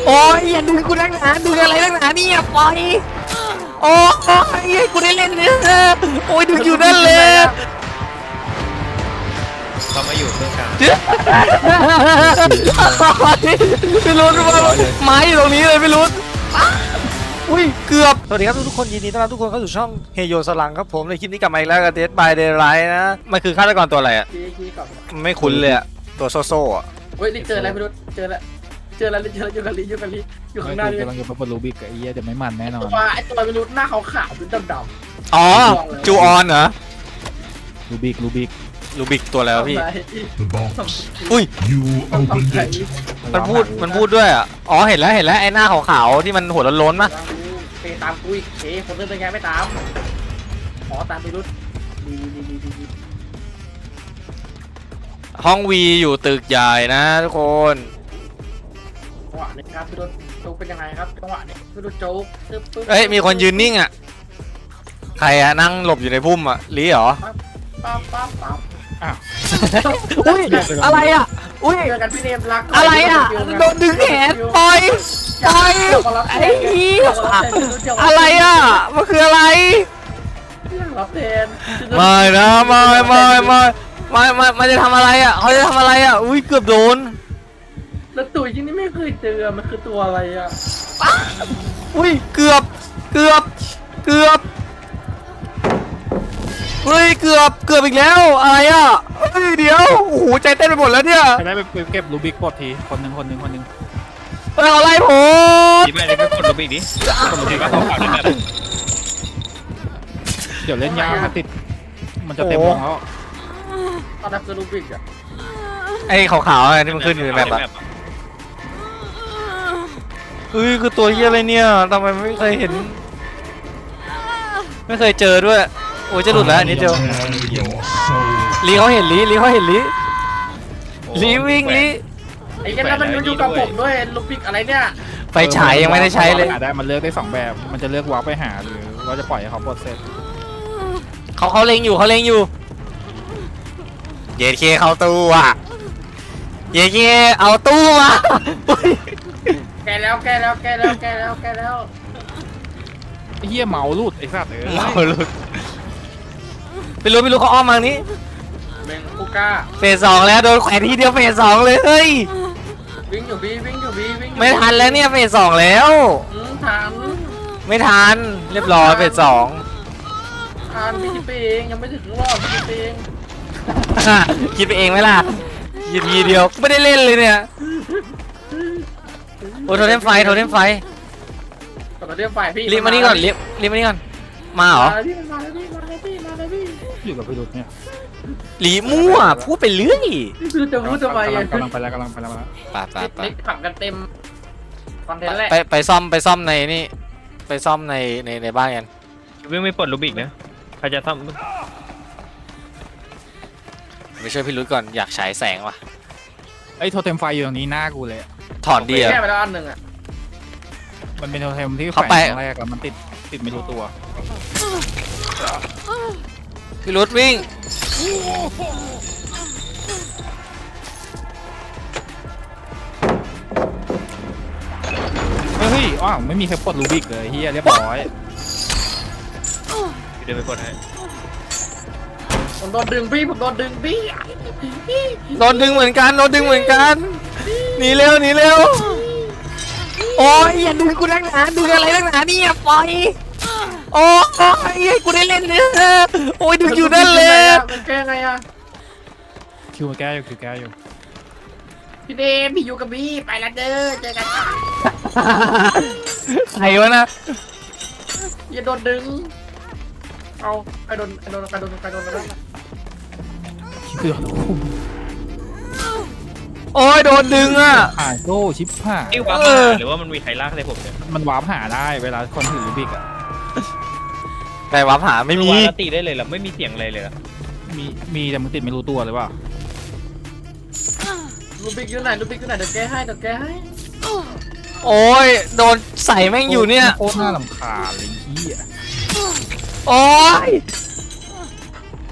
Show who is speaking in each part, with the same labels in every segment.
Speaker 1: โอ้ยอย่าดึงกูนักหนาดึงอะไรนักหนาเนี่ยปล่อยโอ้ยกูได้เล่นเนี่ยโอ้ยดึงอยู่นั่นเลย
Speaker 2: เขามาอยู่เครื่องกลาง
Speaker 1: ไม่รู้ว่าไม้อยู่ตรงนี้เลยไม่รู้อุ้ยเกือบสวัสดีครับทุกคนยินดีต้อนรับทุกคนเข้าสู่ช่องเฮโยสลังครับผมในคลิปนี้กลับมาอีกแล้วกับ Dead by Daylight นะมันคือฆาตกรตัวอะไรอ่ะไม่คุ้นเลยอ่ะตัวโซ่อ่ะ
Speaker 3: เฮ้ยนี่เจออะไรไม่รู้เจอแล้วอยู่กันลีอยู่ข้างหน้านี่
Speaker 4: กำลังจะมารูบิกไอ้เหี้ยจะไม่มันแน่นอน
Speaker 3: ตัวไม่รู้หน้าขาวๆเป็นดำๆ
Speaker 1: อ๋อจูออนเหรอ
Speaker 4: รูบิก
Speaker 1: ลูบิกตัวแล้วพี่
Speaker 5: The box.
Speaker 1: อุ้ย
Speaker 5: You opened it.
Speaker 1: มันพูดด้วยอ่ะอ๋อเห็นแล้วไอ้หน้าขาวๆที่มันหัวโล้นๆป่ะ
Speaker 3: ไปตามกูอีกคนเดินเป็นไงไม่ตามขอตามไปรุดดี
Speaker 1: ห้องวีอยู่ตึกใหญ่นะทุกคน
Speaker 3: จังหวะนี้ครับพี่รุดโจ๊กเป็นยังไงครับจังหวะนี้พี่รุดโจ๊กปึ๊บ
Speaker 1: เอ้ยมีคนยืนนิ่งอ่ะใครอ่ะนั่งหลบอยู่ในพุ่มอ่ะลีเหรอ
Speaker 3: ปั๊บ
Speaker 1: อุ้ยอะไรอ่ะอุ้ย
Speaker 3: เจอกันพี่เนมรัก
Speaker 1: อะไรอ่ะโดนดึงแขนปล่อยไอ้เหี้ยอะไรอ่ะมันคืออะไร
Speaker 3: รับแทน
Speaker 1: ไม่นะไม่จะทำอะไรอ่ะเขาจะทำอะไรอ่ะอุ้ยเกือบโดน
Speaker 3: แล้วตัวที่นี่ไม่เคยเจอมันคือตัวอะไรอ่ะ
Speaker 1: อุ้ยเกือบเฮ้ยเกือบอีกแล้วอะไรอ่ะเฮ้ยเดี๋ยวโอ้โหใจเต้นไปหมดแล้วเนี่ย
Speaker 4: ใครได้ไปเก็บรูบิกปลดทีคนหนึ่ง
Speaker 1: เฮ้ยอะไรผม
Speaker 2: ที่แม่ได้ไปกดลบอีกดิกดลบอีกก็ของเก่าได้แบบ
Speaker 4: เดี๋ยวเล่นยาวถ้าติดมันจะเต็มวงแล้ว
Speaker 3: ตอนนั้นคือรูบิกอ่ะ
Speaker 1: ไอ้ขาวๆที่มันขึ้นอยู่ในแมปอ่ะเฮ้ยคือตัวเหี้ยอะไรเนี่ยทำไมไม่เคยเห็นไม่เคยเจอด้วยโอ้ยจะหลุดแล้วอันนี้เดียว
Speaker 5: Your soul.
Speaker 1: ลีเขาเห็นลีวิ่งลี
Speaker 3: ไอ้กันนั้นมันอยู่กับผมด้วยรูบิกอะไรเนี่ย
Speaker 1: ไฟฉายยังไม่ได้ใช้เลย
Speaker 4: หาได้มันเลือกได้2แบบมันจะเลือกวาร์ปไปหาหรือว่าจะปล่อยให้เขาปลดเสร็จ
Speaker 1: เขาเล็งอยู่เยเคเข้าตู้อ่ะเยเคเอาตู้มา
Speaker 3: แกแล้ว
Speaker 4: ไอ้เหี้ยเมาลูดไอ้สัตว์
Speaker 1: เมาหลุดไม่รู้เขาอ้อมมานี้
Speaker 3: เมงคูก้า
Speaker 1: เฟส 2แล้วโดนแขวนทีเดียวเฟส 2เลยเฮ้ย
Speaker 3: วิ่งอยู่บี
Speaker 1: ไม่ทันแล้วเนี่ยเฟส 2แล้ว
Speaker 3: ทัน
Speaker 1: ไม่ทันเรียบร้อยเฟส 2
Speaker 3: พี่คิดไปเองยังไม่ถึงรอบคิดไปเอง
Speaker 1: คิดไปเองไหมล่ะยินทีเดียวไม่ได้เล่นเลยเนี่ยโอ้โทเทมไฟ
Speaker 3: ต่อเรื่องไฟพี่
Speaker 1: รีบมานี่ก่อนมาเหรอ
Speaker 3: มาเลยพี่
Speaker 4: อยู่กับพี่รุดเนี่ย
Speaker 1: ลีมั่วพูดไปเรื่อย
Speaker 3: คือจะพูดทำไมอ่ะ
Speaker 4: กำลังไปแล้ว
Speaker 1: ไป
Speaker 3: เล็กผักกันเต็มคอนเทนต์แหละ
Speaker 1: ไปซ่อมในนี่ไปซ่อมในบ้านกัน
Speaker 2: วิ่งไม่ปลดลูบิกนะใครจะท
Speaker 1: ไปช่วยพี่รุ้ก่อนอยากฉายแสงว่ะ
Speaker 4: ไอ้โทเทมไฟอยู่ตรงนี้หน้ากูเลย
Speaker 1: ถอนดีอะ
Speaker 3: แค่ไปแล้วอันหนึ่งอ่ะ
Speaker 4: มันเป็นโทเทมที่แฝ
Speaker 1: เขา
Speaker 4: ง
Speaker 1: ไป
Speaker 4: ครั้งแรกแล้วมันติดไม่รู้ตัว
Speaker 1: พี่รุ้วิ่ง
Speaker 4: เฮ้ยอ้าวไม่มีใครปลดรูบิกเลยเฮียเรียบร้อย
Speaker 2: ำเดี๋ยวไปกดให้
Speaker 3: ผมโดนดึงพี่
Speaker 1: โดนดึงเหมือนกันหนีเร็วโอ้ยอย่าดึงกูนักหนาดึงอะไรนักหนาเนี่ยปล่อยโอ้ยกูได้เล่นเนี่ยโอ้ยดึงอยู่นั่นเลย
Speaker 3: มันแก้ไงอ่ะ
Speaker 4: คิวแก้อยู่
Speaker 3: พี่เดมพี่อยู่กับพี่ไปละเด้อเจอกัน
Speaker 1: ใครวะนะ
Speaker 3: อย่าโดนดึงเอาใครโดนแล้ว
Speaker 4: คือ
Speaker 1: โอ้ยโดนดึงอ่ะ
Speaker 4: ผ่านโซ่ชิปผ่า
Speaker 2: กิ้ววาร์ปมาหรือว่ามันมีใครลากอะไรผมเนี่ย
Speaker 4: มันวาร์ปหาได้เวลาคนถือรูบิกอ่ะ
Speaker 1: แต่วับหาไม่มี
Speaker 2: วาร์ปตีได้เลยเหรอไม่มีเสียงอะไรเลยเหรอ
Speaker 4: มีแต่มันติดไม่รู้ตัวเลยว่า
Speaker 3: ลูบิกอยู่ไหนเดี๋ยวแก้ให้
Speaker 1: โอ้ยโดนใส่แม่งอยู่เนี่ย
Speaker 4: โคตรน่ารำคาญเลยเฮีย
Speaker 1: โอ้ย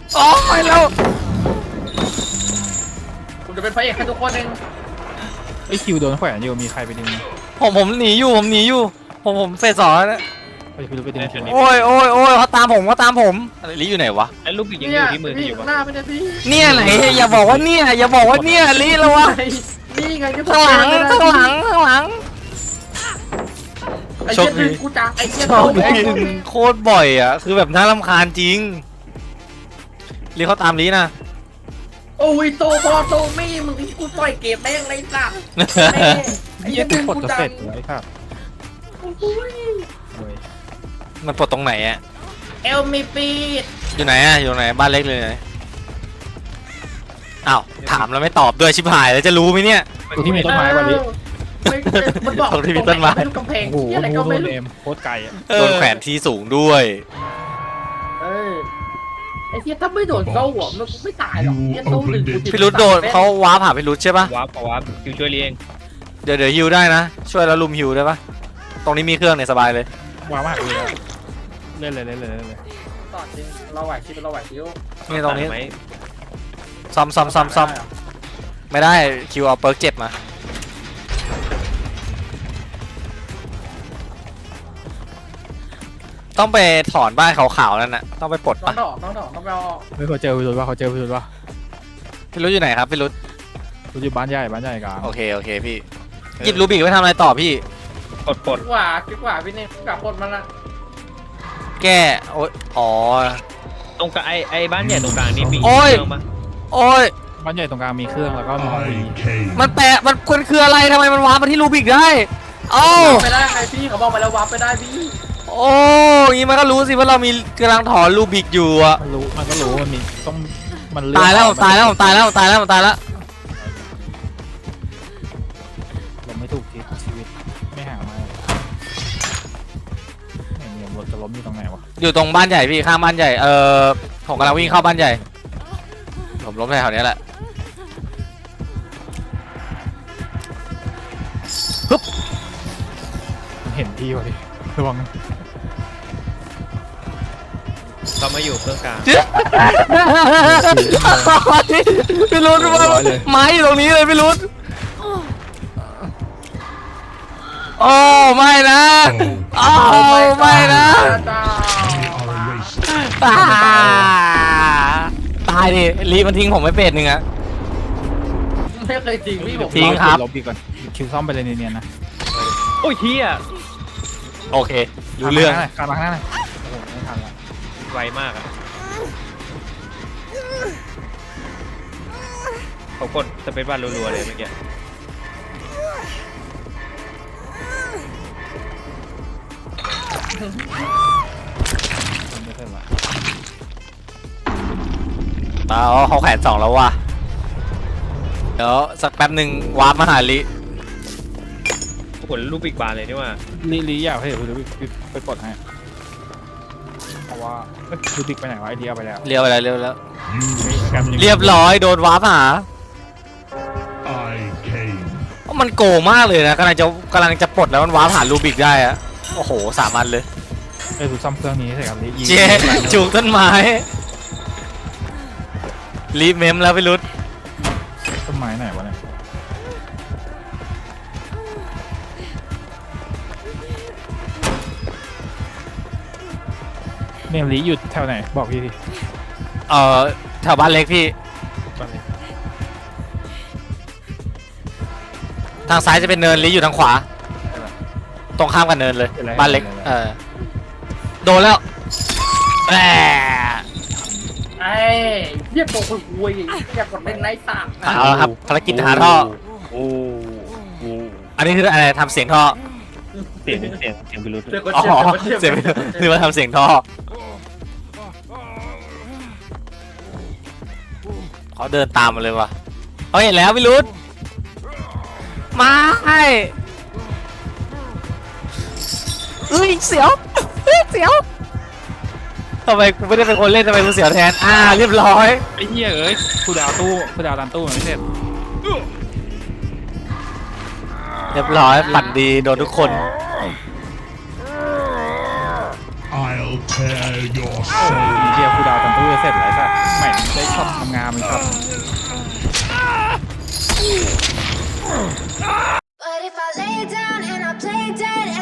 Speaker 1: แล้ว
Speaker 3: ผมจะเป็นพระเอกให้ทุกคนเอง
Speaker 4: ไอคิวโดนแขวนอยู่มีใครไปดึงไหม
Speaker 1: ผมหนีอยู่ผมเฟสสองแล้วนะ
Speaker 4: ไปคิวไปดึงคิว
Speaker 1: โอ้ยเขาตามผมอะไรลิอยู่ไหนวะ
Speaker 2: ไอ้ลูกบิกยังอ
Speaker 3: เนี่ย
Speaker 2: ยู่ที่มือที่อยู่
Speaker 3: ข้าง
Speaker 2: ปะ
Speaker 3: หน้าไม่ได้พี่
Speaker 1: เนี่ยไหนอย่าบอกว่าเนี่ยลิแล้ววะ
Speaker 3: นี่ไงก็
Speaker 1: ข้างหลัง
Speaker 3: ไอ้
Speaker 1: โช
Speaker 3: เหี้
Speaker 1: ค
Speaker 3: ย
Speaker 1: ดี
Speaker 3: ดึงกูจังไอ้เหี้ย
Speaker 1: ชอบ
Speaker 3: โดน
Speaker 1: ดึงโคตรบ่อยอ่ะคือแบบน่ารำคาญจริงลิเขาตามลินะ
Speaker 3: โอ้ยโตพอโตไม่มึงกูปล่อยเกมแม่งเลยสัตว์ไอ้
Speaker 4: เฮี
Speaker 3: เหี้
Speaker 4: ย
Speaker 3: ย
Speaker 4: กู
Speaker 3: ดึง
Speaker 4: กด
Speaker 3: กู
Speaker 4: จะ
Speaker 3: จั
Speaker 4: เสร็
Speaker 3: ง
Speaker 4: จเลยครับ
Speaker 3: โอ้ย
Speaker 4: โอ้ย
Speaker 1: มันปลดตรงไหนอ่ะ
Speaker 3: เอลมีปีด
Speaker 1: อยู่ไหนอ่ะอยู่ไหนบ้านเล็กเลยไหนอ้าวถามแล้วไม่ตอบด้วยชิบหายแล้วจะรู้ไหมเนี่ย
Speaker 4: กูที่มีต้นไม้วันนี้
Speaker 3: มันบอก
Speaker 1: ตรงที่มีต้นไม้
Speaker 3: กำแพง
Speaker 4: โอ้โห
Speaker 3: เหี้ยอะไร
Speaker 4: โด
Speaker 3: ก็ไม่
Speaker 4: น
Speaker 3: รู้
Speaker 4: เอมโคตรไกลอ่ะ
Speaker 1: โดนแขวนที่สูงด้วย
Speaker 3: เออไอ้เหี้ยถ้าไม่โดนเข้าหัวมันไม่ตายหรอกเหี้ยโตดึงกู
Speaker 1: พี่รุดโดนเขาว้าผ่าพี่รุดใช่ปะ
Speaker 2: วาร์ปวาร์ปคิวช่วยเลี้ยง
Speaker 1: เดี๋ยวฮิวได้นะช่วยแล้วลุมฮิวได้ปะตรงนี้มีเครื่องเนี่ยสบายเลย
Speaker 4: ว้าวมากเลยอะเล่นเลย
Speaker 3: ต่อจริงเราไหวชิวเราไหวชิว
Speaker 1: นี่ตรงนี้
Speaker 2: ไหม
Speaker 1: ซ่อมไม่ได้คิวเอาเปิร์กเจ็บมาต้องไปถอนบ้านขาวๆนั่นน่ะต้องไปปลด
Speaker 3: ต้อ
Speaker 1: ปะ
Speaker 3: งดอกต้องไปเอา
Speaker 4: ไม่เขาเจอพิรุธว่าเขาเจอพิรุธว่า
Speaker 1: พี่รุดอยู่ไหนครับพี่รุด
Speaker 4: พิรุธอยู่บ้านใหญ่กลาง
Speaker 1: โอเคพี่หยิบรูบิกไว้ทำอะไรต่อพี่
Speaker 2: ปลด
Speaker 3: คิดว่าพี่เนี่ยกลับปลดมันละ
Speaker 1: แก้โอ๊ยอ๋อ
Speaker 2: ตรงกลางไอ้บ้านใหญ่ตรงกลางนี่มี
Speaker 1: โอ้ย
Speaker 2: เครื่องปะ
Speaker 1: โอ้ย
Speaker 4: บ้านใหญ่ตรงกลางมีเครื่องแล้วก็มี
Speaker 5: I came.
Speaker 1: มันแปะมันคืออะไรทำไมมันว้าร์ปมาที่รูบิกได้เอ้า
Speaker 3: ไปได้ไงพี่เขาบอกไปแล้ววับไปได้พี่
Speaker 1: โอ้ยงี้มันก็รู้สิว่าเรามีกำลังถอนรูบิกอยู่อะ
Speaker 4: มันก็รู้มันมีต้องมันเลือก
Speaker 1: ตายแล้วผมตายแล้ว
Speaker 4: เราไม่ถูกชีวิตไม่ห่างมาเนี่ยรถจะล้มอยู่ตรงไหนวะ
Speaker 1: อยู่ตรงบ้านใหญ่พี่ข้างบ้านใหญ่ผมกำลังวิ่งเข้าบ้านใหญ่ผมล้มแถวนี้แหละ
Speaker 4: มันเห็นพี่วะดิระวัง
Speaker 2: เขามาอยู่เครื่องกลาง
Speaker 1: พี่รุ้ว่าไม้อยู่ตรงนี้เลยพี่รุ้โอ้ไม่นะโอ้ไม่นะ
Speaker 5: They are erased.
Speaker 1: ตายดิลีมันทิ้งผมไม่เป็ดหนึ่งอะ
Speaker 3: ไม่เคยจริงพี่ผม
Speaker 1: ทิ้งครับ
Speaker 4: ลบดีก่อนคิวซ่อมไปเลยเนียนๆนะ
Speaker 2: โอ้ยเฮีย
Speaker 1: โอเครู้เรื่อง
Speaker 4: การมาข้างหน้าหน่อยโอ้โหไม่ทันละ
Speaker 2: ไวมากอะเขากดสเปซบาร์รัวๆเลยเมื่อกี้
Speaker 4: ไม่ทันละ
Speaker 1: เขาแขวน2แล้วว่ะเดี๋ยวสักแป๊บหนึ่งวาร์ปมาหาลิ
Speaker 2: กดลูกบิกบาร์เลยนี่ว่า
Speaker 4: ลีอยากให้คุณไปปลดให้เพราะว่าดูบิ๊กไปไหนวะไอเดียไปแล้ว
Speaker 1: เรียบไปแล้วเรียบแล้ว
Speaker 5: You
Speaker 1: เรียบร้อยโดนวาร์ปหา
Speaker 5: I came.
Speaker 1: มันโกงมากเลยนะกำลังจะปลดแล้วมันวาร์ปหารูบิกได้อะโอ้โห3 อันเลย
Speaker 4: ไอ้ดูซ่อมเครื่องนี้ใส่กับลียิง
Speaker 1: เจ๊จูกต้นไม้รีบเมมแล้วพี่รุด
Speaker 4: ต้นไม้ไหนวะเนี่ยเนมลีอยู่แถวไหนบอกพี่ที
Speaker 1: แถวบ้านเล็กพี่
Speaker 4: ก่อนเลย
Speaker 1: ทางซ้ายจะเป็นเนินลีอยู่ทางขวา ตรงข้ามกับเนินเลยบ้านเล็กโดนแล้วแหม
Speaker 3: ไอ้เรียกตัวคุยอยากกดเล่นไนท์สาม
Speaker 1: เอาละครับภารกิจหาท่อ
Speaker 2: โอ้โห
Speaker 1: อันนี้คืออะไรทำเสียงท่อ
Speaker 2: เสียงพิรุธ
Speaker 3: เดี๋ยวกด
Speaker 1: อ๋อ
Speaker 3: เจ็บ
Speaker 1: เสียงนึกว่าทำเสียงท่อเขาเดินตามมาเลยว่ะเขาเห็นแล้วพี่รุดมาให้เสียวทำไมกูไม่ได้เป็นคนเล่นทำไมกูเสียวแทนเรียบร้อย
Speaker 4: ไอ้เหี้ยเอ้ยกูดาวดันตู้มันไม่เสร็จ
Speaker 1: เรียบร้อยปั่นดีโดนทุกคน
Speaker 5: I'll tear your
Speaker 4: ไอ้
Speaker 5: soul.
Speaker 4: เหี้ยกูดาวดันตู้จะเสร็จไรสัตว์ไม่ได้ชอบทำงานเลยครับ
Speaker 6: But if I lay down and I play dead